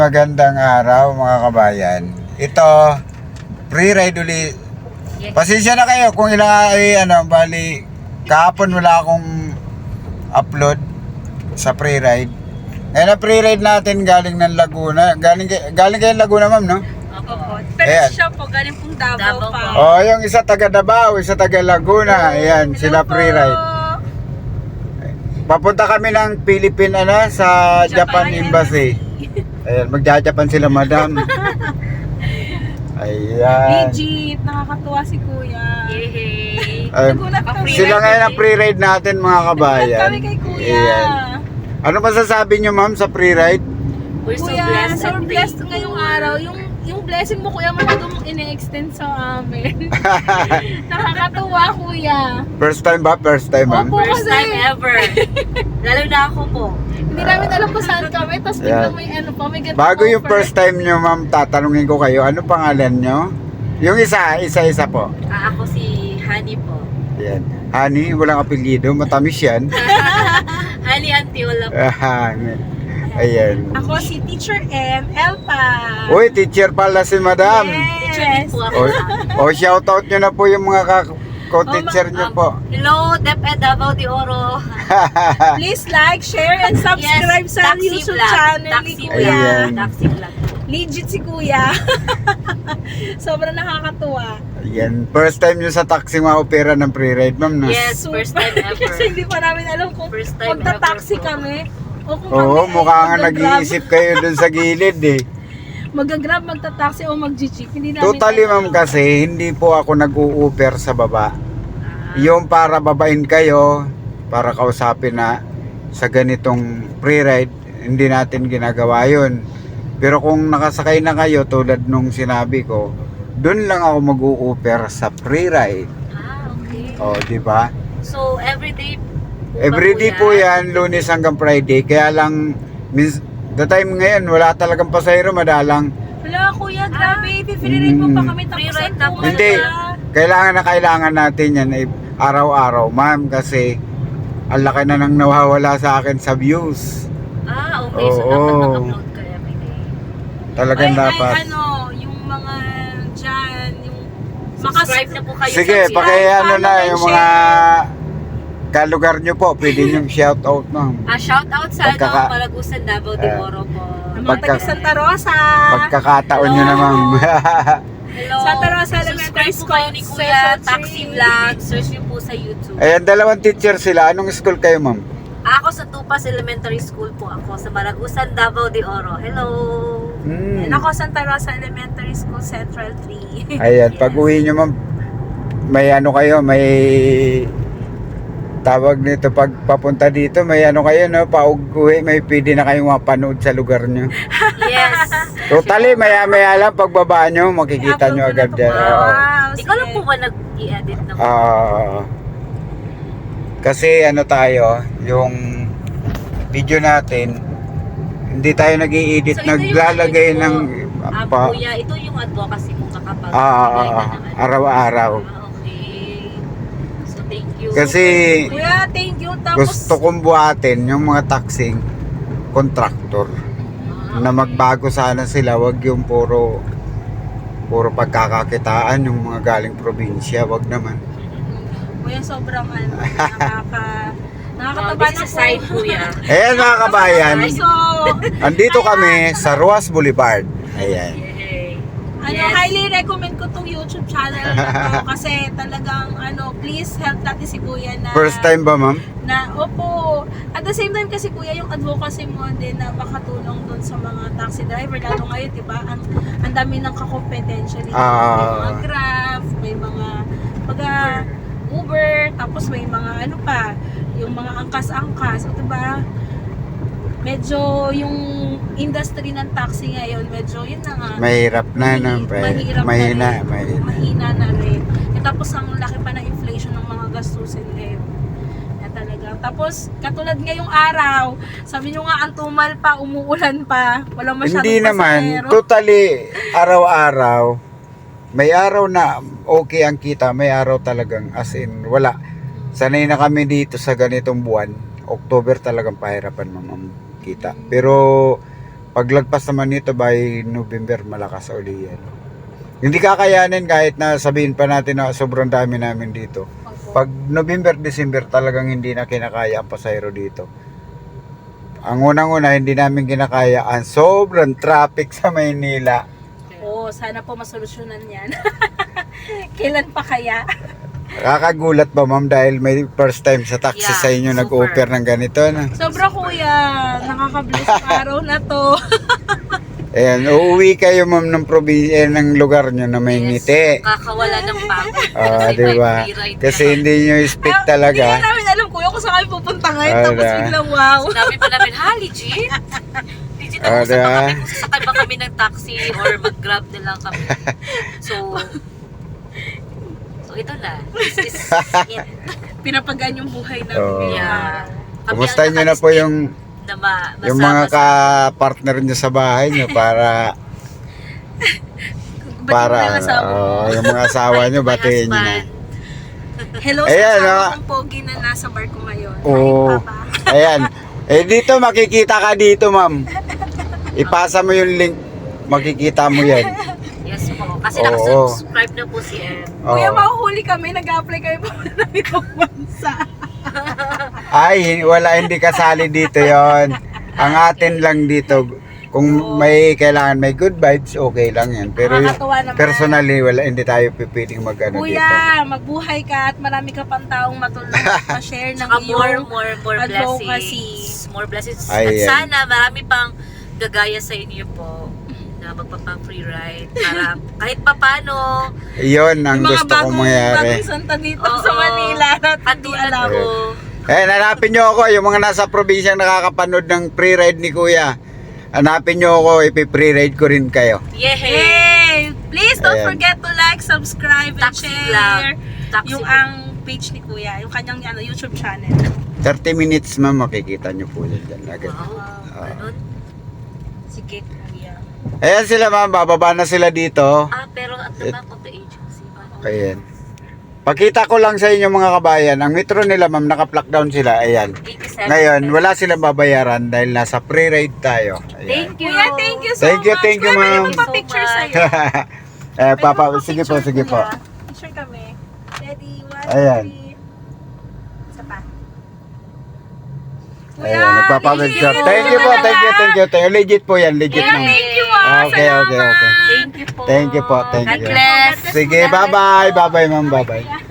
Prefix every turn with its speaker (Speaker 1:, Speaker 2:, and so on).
Speaker 1: magandang araw mga kabayan. Ito, pre-ride uli. Pasensya na kayo kung bali, kahapon wala akong upload sa pre-ride. Ngayon na pre-ride natin galing ng Laguna. Galing kayo Laguna, ma'am, no?
Speaker 2: Opo. Pero siya po, galing pong Davao pa.
Speaker 1: Oh, yung isa taga Davao, isa taga Laguna. Ayan, sila pre-ride. Papunta kami ng Philippine sa Japan Embassy. Ayan, magja-Japan sila, madam. Ayan.
Speaker 2: Legit, nakakatuwa si Kuya. Yehey.
Speaker 1: Sila ngayon ang pre-ride natin, mga kabayan.
Speaker 2: Kami kay Kuya.
Speaker 1: Ayan. Ano masasabi nyo, ma'am, sa pre-ride?
Speaker 3: We're so
Speaker 2: Kuya,
Speaker 3: blessed
Speaker 2: so
Speaker 3: and
Speaker 2: blessed
Speaker 3: thankful.
Speaker 2: ngayong araw. Yung blessing mo, Kuya, masyado mong ine-extend sa amin. Nakakatuwa, Kuya.
Speaker 1: First time ba? First time, ma'am?
Speaker 2: Opo.
Speaker 3: First time ever. Lalo na ako po.
Speaker 2: Hindi namin alam kung saan kami, tapos biglang may may ganito.
Speaker 1: Bago yung first time nyo, ma'am, tatanungin ko kayo, ano pangalan nyo? Yung isa-isa po.
Speaker 3: Ako si Honey po.
Speaker 1: Ayan. Honey, walang apelyido, matamis yan.
Speaker 3: Honey Antiola po.
Speaker 1: Ayan.
Speaker 2: Ako si Teacher M. Elpa.
Speaker 1: Uy, teacher pala si madam.
Speaker 3: Teacher din po ako.
Speaker 1: Shoutout nyo na po yung mga ko-teacher nyo po.
Speaker 3: Hello, DepEd Davao de Oro.
Speaker 2: Please like, share, and subscribe sa
Speaker 3: Taxi
Speaker 2: YouTube
Speaker 3: vlog.
Speaker 2: channel ni
Speaker 3: Taxi
Speaker 2: Kuya.
Speaker 1: Ayan.
Speaker 3: Taxi vlog.
Speaker 2: Legit si Kuya. Sobrang nakakatuwa.
Speaker 1: Ayan. First time nyo sa taxi ma-opera ng pre-ride, ma'am, no?
Speaker 3: Yes, first time ever.
Speaker 2: Kasi hindi pa namin alam kung
Speaker 3: First time
Speaker 2: magta-taxi
Speaker 3: ever po.
Speaker 2: kami. O kung
Speaker 1: Oo,
Speaker 2: kami
Speaker 1: mukha nga
Speaker 2: mag-grab.
Speaker 1: nag-iisip kayo dun sa gilid eh.
Speaker 2: Mag-grab, magta-taxi o mag-jeep. Hindi namin
Speaker 1: Totally,
Speaker 2: alam.
Speaker 1: ma'am, kasi hindi po ako nag-u-offer sa baba. Yung para babain kayo, para kausapin na sa ganitong pre-ride, hindi natin ginagawa yun. Pero kung nakasakay na kayo, tulad nung sinabi ko, dun lang ako mag-u-offer sa pre-ride.
Speaker 3: Okay.
Speaker 1: O, di ba?
Speaker 3: So, everyday po ba
Speaker 1: Everyday po yan, Lunes hanggang Friday. Kaya lang, the time ngayon, wala talagang pasahero, madalang.
Speaker 2: Wala, Kuya, grabe. Pipilirin mo pa kami tapos
Speaker 3: Pre-ride
Speaker 2: ang
Speaker 3: na po.
Speaker 2: tumal
Speaker 1: Hindi.
Speaker 2: na.
Speaker 1: Kailangan natin yan araw-araw, ma'am, kasi ang laki na nang nawawala sa akin sa views.
Speaker 3: Okay. So,
Speaker 1: Oo.
Speaker 3: dapat nag-upload ka everyday.
Speaker 1: Talagang dapat.
Speaker 2: Yung mga dyan, yung
Speaker 3: Subscribe na po kayo.
Speaker 1: Sige,
Speaker 3: sa
Speaker 1: pakiano na
Speaker 2: follow,
Speaker 1: yung
Speaker 2: and
Speaker 1: mga kalugar nyo po. Pwede nyo shout out, ma'am.
Speaker 3: shout out sa Malagusan, Davao de Oro po.
Speaker 2: Ang mga taga Santa Rosa.
Speaker 1: Pagkakataon nyo na, ma'am.
Speaker 3: Hello.
Speaker 2: Santa Rosa Elementary
Speaker 3: Subscribe po kayo ni
Speaker 2: School,
Speaker 3: Kuya
Speaker 2: Search
Speaker 3: Taxi
Speaker 2: me.
Speaker 3: Vlog. Search niyo po sa YouTube.
Speaker 1: Ayan, dalawang teacher sila. Anong school kayo, ma'am?
Speaker 3: Ako sa Tupas Elementary School po ako. Sa Malagusan, Davao de Oro. Hello.
Speaker 2: And ako Santa Rosa Elementary School Central 3.
Speaker 1: Ayan, pag uwi nyo, ma'am, may may tawag nito pag papunta dito, may kayo, no, pauwi, may pwede na kayong mapanood sa lugar nyo.
Speaker 3: Yes.
Speaker 1: Totally, maya lang pagbaba nyo, makikita nyo agad yan. Oo.
Speaker 2: Wow,
Speaker 3: Ikaw lang po ba nag-i-edit ng
Speaker 1: Kasi tayo, yung video natin, hindi tayo nag-i-edit, naglalagay ng
Speaker 3: Kuya, ito yung advocacy mo kakapag
Speaker 1: araw-araw.
Speaker 3: Okay. So, thank you.
Speaker 1: Kasi
Speaker 2: Kuya, thank you. Tapos,
Speaker 1: gusto kong buhatin yung mga taxing contractor na magbago sana sila, wag yung puro pagkakakitaan yung mga galing probinsya, wag naman.
Speaker 2: Kuya, sobrang nakakataba
Speaker 3: This
Speaker 2: na
Speaker 3: is a side,
Speaker 2: po.
Speaker 3: Kuya.
Speaker 1: Ayan mga kabayan,
Speaker 2: So,
Speaker 1: andito kami sa Ruas Boulevard. Ayan.
Speaker 3: Yay.
Speaker 2: highly recommend ko tong YouTube channel na to kasi talagang please help natin si Kuya na
Speaker 1: First time ba, ma'am?
Speaker 2: opo. At the same time kasi Kuya, yung advocacy mo din na makatulong doon sa mga taxi driver lalo ngayon, 'di ba? Ang dami ng kakompetensya dito. May mga Grab, may mga Uber, tapos may mga yung mga angkas-angkas, 'di ba? Medyo yung industry ng taxi ngayon, medyo yun na nga.
Speaker 1: Mahirap na, no? Mahina.
Speaker 2: Mahina na rin. Tapos ang laki pa ng inflation ng mga gastusin ngayon. Talaga. Tapos, katulad ngayong araw, sabi nyo nga, ang tumal pa, umuulan pa, walang masyadong
Speaker 1: Hindi naman,
Speaker 2: pasahero.
Speaker 1: totally, araw-araw, may araw na okay ang kita, may araw talagang as in, wala. Sanay na kami dito sa ganitong buwan, October talagang pahirapan, ma'am, kita. Pero, Paglagpas naman nito by November, malakas uli yan. Hindi kakayanin kahit na sabihin pa natin na sobrang dami namin dito. Pag November, December talagang hindi na kinakaya ang pasayro dito. Ang unang-una, hindi namin kinakaya ang sobrang traffic sa Maynila.
Speaker 2: Oo, sana po masolusyonan yan. Kailan pa kaya?
Speaker 1: Kakagulat ba ma'am dahil may first time sa taxi
Speaker 3: Yeah,
Speaker 1: sa inyo
Speaker 3: super.
Speaker 1: nag-offer ng ganito na?
Speaker 2: Sobra kuya, nakaka-bless yung araw na to.
Speaker 1: Ayan, uuwi kayo ma'am ng probinsya ng lugar nyo na may ngiti.
Speaker 3: Kakawala ng pagod.
Speaker 1: Ah,
Speaker 3: Kasi
Speaker 1: di
Speaker 3: may
Speaker 1: ba?
Speaker 3: free ride
Speaker 1: Kasi
Speaker 3: na.
Speaker 1: hindi nyo speak
Speaker 2: Hindi
Speaker 1: talaga.
Speaker 2: namin alam kuya kung saan kami pupunta ngayon.
Speaker 1: Ah,
Speaker 2: Tapos
Speaker 1: na.
Speaker 2: biglang wow.
Speaker 3: Sinabi pa namin, ha, legit? Legit,
Speaker 1: Ah,
Speaker 3: nag-usap pa
Speaker 1: diba?
Speaker 3: kami kung sasakay ba kami ng taxi or mag-grab na lang kami. So ito na. This is it.
Speaker 2: Pinapagaan yung buhay namin.
Speaker 1: Oo.
Speaker 2: ngayong
Speaker 3: Yeah.
Speaker 2: araw.
Speaker 3: Kami
Speaker 1: Kumusta
Speaker 3: ang
Speaker 1: nyo na po
Speaker 3: nakalistig
Speaker 1: yung
Speaker 3: na
Speaker 1: yung mga ka-partner nyo sa bahay nyo para
Speaker 2: Ba't yung mga asawa mo?
Speaker 1: yung mga asawa nyo batiin nyo na.
Speaker 2: Hello sa
Speaker 1: Ayan,
Speaker 2: asawa
Speaker 1: ah.
Speaker 2: kong pogi na nasa barko ngayon.
Speaker 1: Oo.
Speaker 2: Hi, Papa.
Speaker 1: Ayan. Dito makikita ka dito ma'am. Ipasa mo yung link. Makikita mo yan.
Speaker 3: Yes po. Kasi
Speaker 1: Oo.
Speaker 3: nakasubscribe na po si Em.
Speaker 2: Kuya,
Speaker 1: Oo.
Speaker 2: mahuhuli kami. Nag-apply kami pa ng ibang bansa.
Speaker 1: Ay, wala, hindi kasali dito yon. Ang atin lang dito, kung may kailangan may good vibes, okay lang yan. Pero yung
Speaker 2: Nakakatuwa naman.
Speaker 1: personally, wala, hindi tayo pipiling mag-ano dito.
Speaker 2: Kuya, magbuhay ka at marami ka pang taong matulong ma-share ng
Speaker 3: Saka
Speaker 2: iyong
Speaker 3: more
Speaker 2: advocacy.
Speaker 3: blessings. More blessings.
Speaker 1: Ay,
Speaker 3: At
Speaker 1: yan.
Speaker 3: sana marami pang gagaya sa inyo po na magpapang free ride para kahit papano
Speaker 1: Yun ang
Speaker 2: Yung mga
Speaker 1: gusto kong mangyari.
Speaker 2: bagong santa dito
Speaker 3: Oo.
Speaker 2: sa Manila na hindi
Speaker 3: katulad
Speaker 2: alam.
Speaker 3: ko.
Speaker 1: Hanapin nyo ako, yung mga nasa probinsya nakakapanood ng free ride ni Kuya. Hanapin nyo ako, ipi-free ride ko rin kayo.
Speaker 3: Yay!
Speaker 2: Hey! Please don't
Speaker 1: Ayan.
Speaker 2: forget to like, subscribe, and
Speaker 3: Taxi
Speaker 2: share
Speaker 3: vlog. Taxi
Speaker 2: yung
Speaker 3: vlog.
Speaker 2: ang page ni Kuya, yung kanyang YouTube channel.
Speaker 1: 30 minutes ma'am, makikita nyo po yan dyan agad.
Speaker 3: Wow, ganun.
Speaker 2: Sige, Kuya.
Speaker 1: Ayan sila ma'am, bababa na sila dito.
Speaker 3: Pero at the back of the agency. Paano?
Speaker 1: Ayan. Pakita ko lang sa inyo mga kabayan, ang metro nila ma'am, naka-plug down sila. Ayan.
Speaker 3: 87.
Speaker 1: Ngayon, wala silang babayaran dahil nasa free ride tayo. Ayan.
Speaker 3: Thank you.
Speaker 2: Kuya, thank you so
Speaker 1: Thank you,
Speaker 2: much.
Speaker 1: thank you,
Speaker 2: Kuya, pwede
Speaker 1: ma'am.
Speaker 2: magpa-picture
Speaker 3: So
Speaker 2: sa'yo.
Speaker 1: Papa,
Speaker 2: Pwede
Speaker 1: sige po,
Speaker 2: magpa-picture,
Speaker 1: sige po.
Speaker 2: Kuya. Picture kami. Ready? 1,
Speaker 1: Ayan.
Speaker 2: 2, 3. Isa pa.
Speaker 1: Ayan, nagpapapicture.
Speaker 2: legit.
Speaker 1: Thank you po, thank you, thank you. Legit po yan, legit
Speaker 2: Kuya,
Speaker 1: ma'am.
Speaker 2: thank you
Speaker 1: Okay, okay, okay.
Speaker 3: Thank you po.
Speaker 1: Thank you po, thank
Speaker 3: God
Speaker 1: you.
Speaker 3: bless.
Speaker 1: Sige, bye-bye. Bye-bye ma'am, bye-bye.